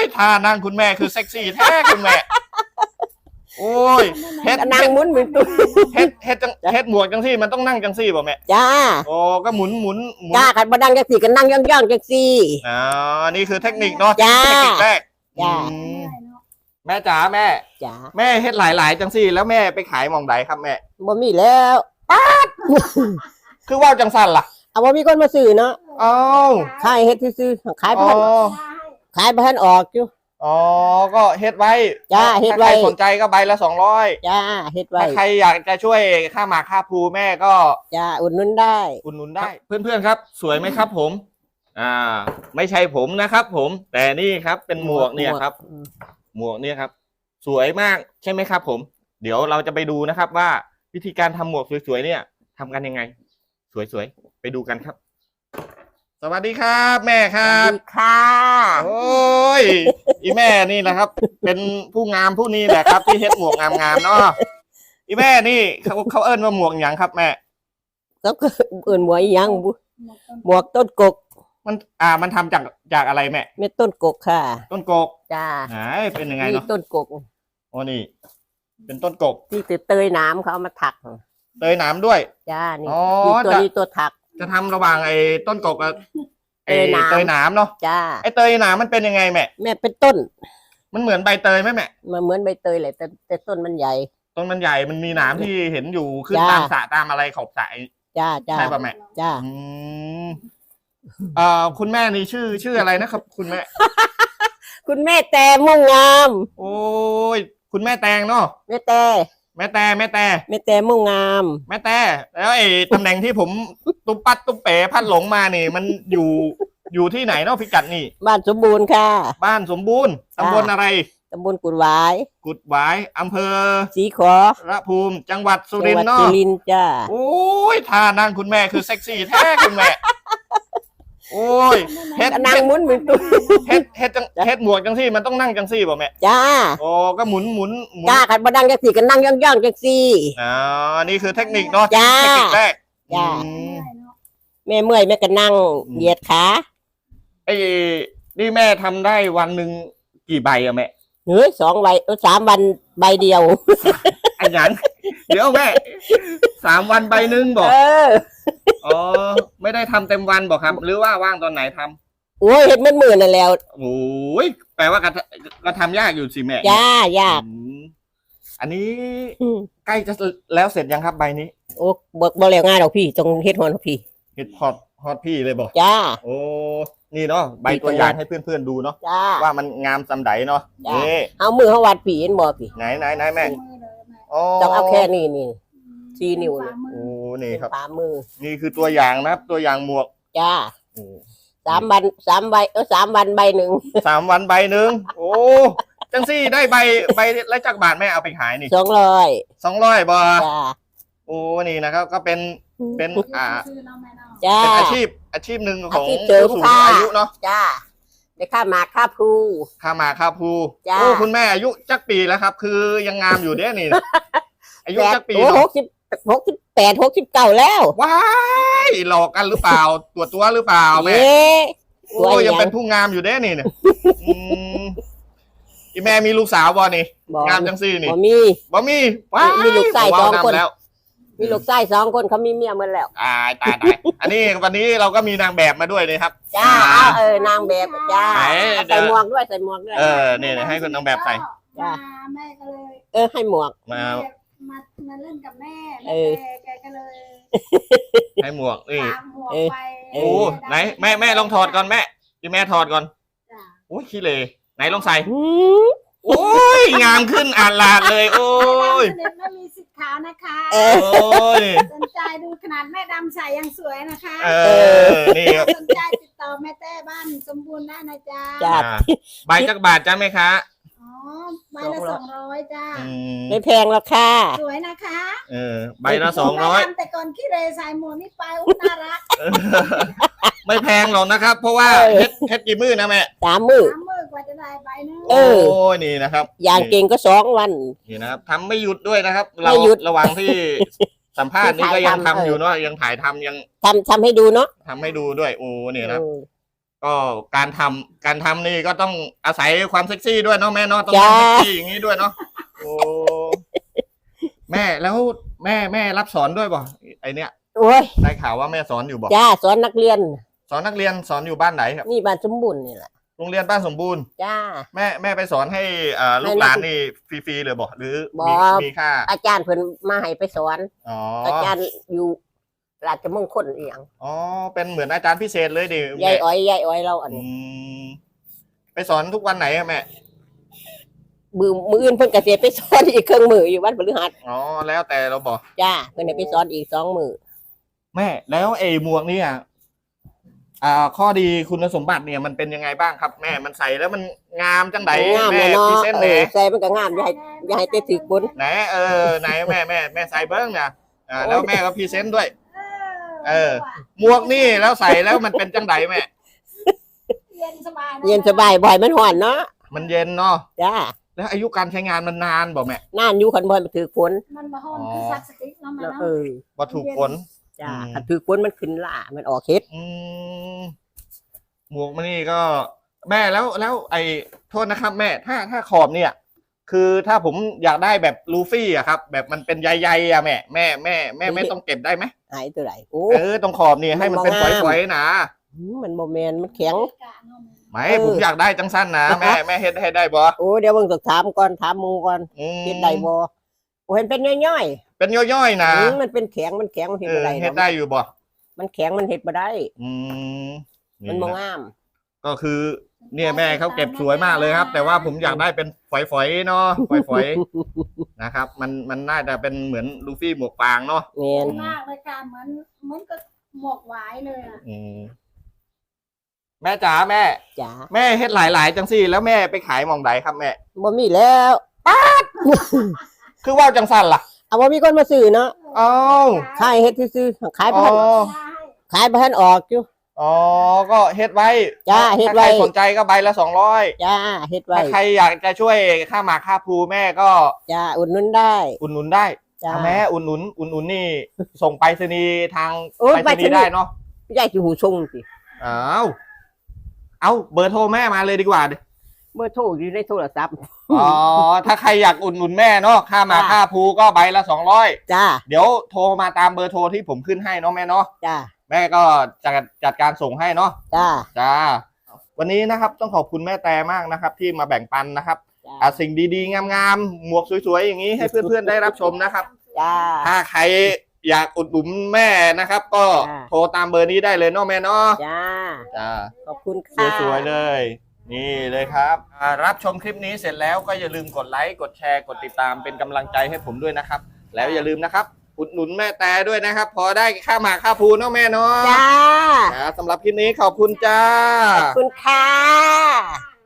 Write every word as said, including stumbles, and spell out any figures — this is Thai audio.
ท่านั่งคุณแม่คือเซ็กซี่แท้คุณแม่โอ้ยเฮ็ดนั่งหมุนหมุนตุ้เฮ็ดเฮ็ดจังเฮ็ดหมวกจังซี่มันต้องนั่งจังซี่บ่แม่จ้าโอ้ก็หมุนหมุนหมุนจ้ากันบ่นั่งจังสี่กันนั่งย่องย่องจังสี่อ๋อนี่คือเทคนิคเนาะเทคนิคแรกจ้าแม่จ๋าแม่จ้าแม่เฮ็ดหลายๆจังซี่แล้วแม่ไปขายหม่องใดครับแม่บ่มีแล้วป๊าดคือว่าจังซั่นล่ะเอาบ่มีคนมาซื้อเนาะอ้าวขายเฮ็ดซื่อๆขายบ่ทันขายบ่ทันออกอยู่อ๋อก็เฮ็ดไว้จ้าเฮ็ดไว้ถ้าใครสนใจก็ใบละสองร้อยจ้าเฮ็ดไว้ถ้าใครอยากจะช่วยค่าหมากค่าภูแม่ก็จ้าอุดหนุนได้อุดหนุนได้เพื่อนๆครับสวยไหมครับผมอ่าไม่ใช่ผมนะครับผมแต่นี่ครับเป็นหมวกเนี่ยครับหมวกเนี่ยครับสวยมากใช่ไหมครับผมเดี๋ยวเราจะไปดูนะครับว่าวิธีการทำหมวกสวยๆเนี่ยทำกันยังไงสวยๆไปดูกันครับสวัสดีครับแม่ครับสวัสดีค่ะโอ้ยอีแม่นี่แหละครับ เป็นผู้งามผู้นี้แหละครับที่เฮ็ดหมวกงามๆเนาะอีแม่นี่เขาเขาเอิ้นว่าหมวกอย่างครับแม่ก็เอิ้นหมวกอีหยังหมวกต้นกกมันอ่ามันทำจากจากอะไรแม่เม็ดต้นกกค่ะต้นกกจ้าไหนเป็นยังไงเนาะต้นกกโอ้นี่เป็นต้นกกที่เตยน้ำเขาเอามาถักเตยน้ำด้วยจ้านี่ตัวนี้ตัวถักจะทำระหว่างไอ้ต้นกกกับไอ้เตยน้ำเนาะจ้าไอ้เตยน้ำมันเป็นยังไงแม่แม่เป็นต้นมันเหมือนใบเตยไหมแม่มันเหมือนใบเตยแหละแต่แต่ต้นมันใหญ่ต้นมันใหญ่มันมีหนามที่เห็นอยู่ขึ้นตามสระตามอะไรขอบสระจ้าจ้าใช่ป่ะแม่จ้าอืมเอ่อคุณแม่นี่ชื่อชื่ออะไรนะครับคุณแม่คุณแม่แต่มุ่งงามโอ้ยคุณแม่แตงเนาะแม่แต่แม่แต่แม่แต่แม่แต่มุ่งงามแม่แต่แล้วไอ้ตำแหน่งที่ผมตุ๊บปัดตุ๊บเป๋พัดหลงมานี่มันอยู่อยู่ที่ไหนเนาะพิกัดนี่บ้านสมบูรณ์ค่ะบ้านสมบูรณ์ตำบลอะไรตำบลกุดหวายกุดหวายอำเภอศรีขอระภูมิจังหวัดสุรินทร์เนาะสุรินทร์จ้าโอ้ยท่านั่งคุณแม่คือเซ็กซี่แท้คุณแม่โอ้ยเฮ็ดนั่งหมุนหมุนตุ้เฮ็ดเฮ็ดจังเฮ็ดหมวกจังซี่มันต้องนั่งจังซี่บ่แม่จ้าโอ้ก็หมุนหมุนจ้ากันบ่นั่งจังซี่กันนั่งย่องย่องจังซี่อ๋อนี่คือเทคนิคเนาะเทคนิคแรกจ้าแม่เมื่อยแม่ก็นั่งเหยียดขาไอ้นี่แม่ทำได้วันหนึ่งกี่ใบอะแม่เฮ้ยสองใบสามวันใบเดียวไอ้หยังเดี๋ยวแม่สามวันใบหนึ่งบอกอ๋อไม่ได้ทำเต็มวันบอกครับหรือว่าว่างตอนไหนทำโอ้ยเห็ดมันหมื่นนั่นแล้วโอ้ยแปลว่าก็ก็ทำยากอยู่สิแม่ยากยากอันนี้ใกล้จะแล้วเสร็จยังครับใบนี้โอ้บอกบอกแล้วง่ายหรอกพี่ตรงเฮ็ดฮอนพี่เฮ็ดฮอตฮอตพี่เลยบอกจ้าโอ้นี่เนาะใบตัวอย่างให้เพื่อนๆดูเนาะว่ามันงามสำใดเนาะนี่เอามือเขาวัดผีเห็นบ่พี่ไหนไหนไหนแม่ต้องเอาแค่นี้นี่สี่นิ้วเลยโอ้นี่ครับฝ่ามือนี่คือตัวอย่างนะครับตัวอย่างหมวกจ้าสามวันสามใบเออสามวันใบหนึ่งสามวันใบหนึ่งโอ้จังซี่ได้ใบใบละจักบาทแม่เอาไปขายนี่สองร้อยสองร้อยบาทโอ้นี่นะครับก็เป็นเป็นอ่าเป็นอาชีพอาชีพหนึ่งของผู้สูงอายุเนาะจ้าได้ค่าหมากค่าภูค่าหมากค่าภูโอ้คุณแม่อายุจักปีแล้วครับคือยังงามอยู่เด้นี่อายุจักปีเนาะหกสิบหกสิบแปดหกสิบเก้าแล้วว้ายหลอกกันหรือเปล่าตัวตัวหรือเปล่าแม่โอ้ยังเป็นผู้งามอยู่เด้นี่เนี่ยอีแม่มีลูกสาวบ่นี่งามจังซี่นี่บ่มีบ่มีว้ายมีลูกชายสองคนมีลูกชายสองคนเขามีเมียหมดแล้วตายตายตายอันนี้วันนี้เราก็มีนางแบบมาด้วยเลยครับจ้าเออนางแบบจ้าใส่หมวกด้วยใส่หมวกด้วยเออเนี่ยให้คนนางแบบใส่จ้าแม่ก็เลยเออให้หมวกมามามาเล่นกับแม่แม่แกก็เลยให้หมวกนี่โอ้ไหนแม่แม่ลองถอดก่อนแม่ที่แม่ถอดก่อนโอ้ยขี้เลยไหนลองใส่โอ้ยงามขึ้นอ่านลาดเลยโอ้ยไม่มีสิทธิ์ขาวนะคะโอ้ยสนใจดูขนาดแม่ดำใส่ยังสวยนะคะเออนี่สนใจติดต่อแม่แต้บ้านสมบูรณ์ได้นะจ๊ะจ้าใบจักบาทจ้าไหมคะอ๋อใบละสองร้อยจ้าไม่แพงหรอกค่ะสวยนะคะเออใบละสองร้อยแต่ก่อนขี้เรใส่หมวกนี่ไปอุ้น่ารักไม่แพงหรอกนะครับเพราะว่าเฮ็ดเฮ็ดกี่มื้อนะแม่สามมื้อสามมื้อกว่าจะได้ใบนึงโอ้ยนี่นะครับอย่างเก่งก็สองวันนี่นะครับทำไม่หยุดด้วยนะครับเราระหว่างที่สัมภาษณ์นี่ก็ยังทำอยู่เนาะยังถ่ายทำยังทำทำให้ดูเนาะทำให้ดูด้วยโอ้เนี่ยนะก็การทำการทำนี่ก็ต้องอาศัยความเซ็กซี่ด้วยเนาะแม่เนาะต้องเป็นเซ็กซี่อย่างนี้ด้วยเนาะโอ้แม่แล้วแม่แม่รับสอนด้วยบ่ไอเนี้ยโอ้ยได้ข่าวว่าแม่สอนอยู่บ่จ้าสอนนักเรียนสอนนักเรียนสอนอยู่บ้านไหนครับนี่บ้านสมบูรณ์นี่แหละโรงเรียนบ้านสมบูรณ์จ้าแม่แม่ไปสอนให้อ่าลูกหลานนี่ฟรีๆเลยบ่หรือบ่มีมีค่าอาจารย์เพิ่นมาให้ไปสอนอ๋ออาจารย์อยู่ราชมงคลอีหยังอ๋อเป็นเหมือนอาจารย์พิเศษเลยดิยายแม่อ้อยยายอ้อยเราอันอืนี้มไปสอนทุกวันไหนอะแม่มือมืออื่นเพิ่นก็สิไปสอนอีกเครื่องมืออยู่วันพฤหัสอ๋อแล้วแต่เราบอกจ้าเพิ่นให้ไปสอนอีกสองมือแม่แล้วไอ้หมวกเนี่ยอ่าข้อดีคุณสมบัติเนี่ยมันเป็นยังไงบ้างครับ แม่มันใส่แล้วมันงามจังไดงามแม่เลยเนาะพรีเซนต์เอแหนอใส่มันก็งามอย่าให้อย่าให้เตะถึกบนไหนเออไหนแม่แม่แม่ใส่เบิ้งเนี่ยอ่าแล้วแม่ก็พรีเซนต์ด้วย เออ หมวกนี่แล้วใส่แล้วมันเป็นจังไดแม่เย็นสบายะเย็นสบายบ่อยมันฮ้อนเนาะมันเย็นเนาะจ้าแล้วอายุการใช้งานมันนานบอกแม่นานอยู่คันบ่ให้มันถือฝนมันมาห้อนอ๋อคือซักสติ๊กเนาะมันแล้วเนาะเออวัตถุฝนจ้าอืมคันถือฝนมันขึ้นล่ามันออกเฮ็ดอืมหมวกมันนี่ก็ แม่แล้วแล้วไอ้โทษนะครับ แม่ ถ้าถ้าขอบเนี่ย คือถ้าผมอยากได้แบบลูฟี่อะครับ แบบมันเป็นใยๆอะแม่แม่แม่แม่ไม่ต้องเก็บได้ไหมหายตัวไหนโอ้เออตรงขอบนี่ให้มันเป็นฝอยๆนะหืมมันบ่แม่นมันแข็งไม่เออผมอยากได้จังสั้นนะแม่แม่เฮ็ดให้ได้บ่โอ้เดี๋ยวเบิ่งต้องถามก่อนถามหมู่ก่อนอืมเฮ็ดได้บ่โอ้เห็นเป็นย่อยเป็นย่อยๆๆนะหืมมันเป็นแข็งมันแข็งมันเฮ็ดเอบ่อได้เฮ็ดได้อยู่บ่มันแข็งมันเฮ็ดบ่ได้อืมมันบ่ะงามก็คือ เนี่ยแม่เขาเก็บสวยมากเลยครับ แต่ว่าผมอยากได้เป็นฝอยๆเนาะฝอยๆ นะครับ มันมันน่าจะเป็นเหมือนลูฟี่หมวกฟางเนาะแม่นมากเลยการเหมือนเหมือนกับหมวกหวายเลยอ่ะอืมแม่จ๋าแม่จ้าแม่เฮ็ดหลายๆจังซี่แล้วแม่ไปขายหมองใดครับแม่บ่มีแล้วคือว่าจังสั้นล่ะเอาบ่มีคนมาซื้อเนาะอ้าวขายเฮ็ดซื่อๆขายบ่อ๋อทันขายบ่ทันออกอยู่อ๋อก็เฮ็ดไว้จ้าเฮ็ดไว้ถ้าใครสนใจก็ใบละสองร้อยจ้าเฮ็ดไว้ถ้าใครอยากจะช่วยค่าหมากค่าภูแม่ก็จ้าอุดหนุนได้อุดหนุนได้จ้าอ่ะแม่อุดหนุนอุดหนุนนี่ ส่งไปรษณีย์ทางโอ้ยไปรษณีย์ไปรษณีย์ได้เนาะยายสิหูชงสิอ้าวเอาเบอร์โทรแม่มาเลยดีกว่าดิเบอร์โทรอยู่ในโทรศัพท์อ๋อถ้าใครอยากอุดหนุนแม่เนาะค่าหมากจ้าค่าภูก็ใบละสองร้อยจ้าเดี๋ยวโทรมาตามเบอร์โทรที่ผมขึ้นให้เนาะแม่เนาะจ้าแม่ก็จัดจัดการส่งให้เนาะจ้าจ้าวันนี้นะครับต้องขอบคุณแม่แต่มากนะครับ ที่มาแบ่งปันนะครับจ้าอ่ะสิ่งดีๆงามๆหมวกสวยๆอย่างนี้ให้เพื่อนๆได้รับชมนะครับจ้าถ้าใครอยากอุดหนุนแม่นะครับ ก็จ้าโทรตามเบอร์นี้ได้เลยเนาะแม่เนาะจ้าจ้าขอบคุณค่ะสวยๆเลย นี่เลยครับอ่ารับชมคลิปนี้เสร็จแล้วก็อย่าลืมกดไลค์กดแชร์กดติดตามเป็นกำลังใจให้ผมด้วยนะครับ แล้วอย่าลืมนะครับ อุดหนุนแม่แต่ด้วยนะครับ พอได้ค่าหมากค่าภูเนาะแม่เนาะจ้าอ่าสำหรับคลิปนี้ขอบคุณจ้าขอบคุณค่ะ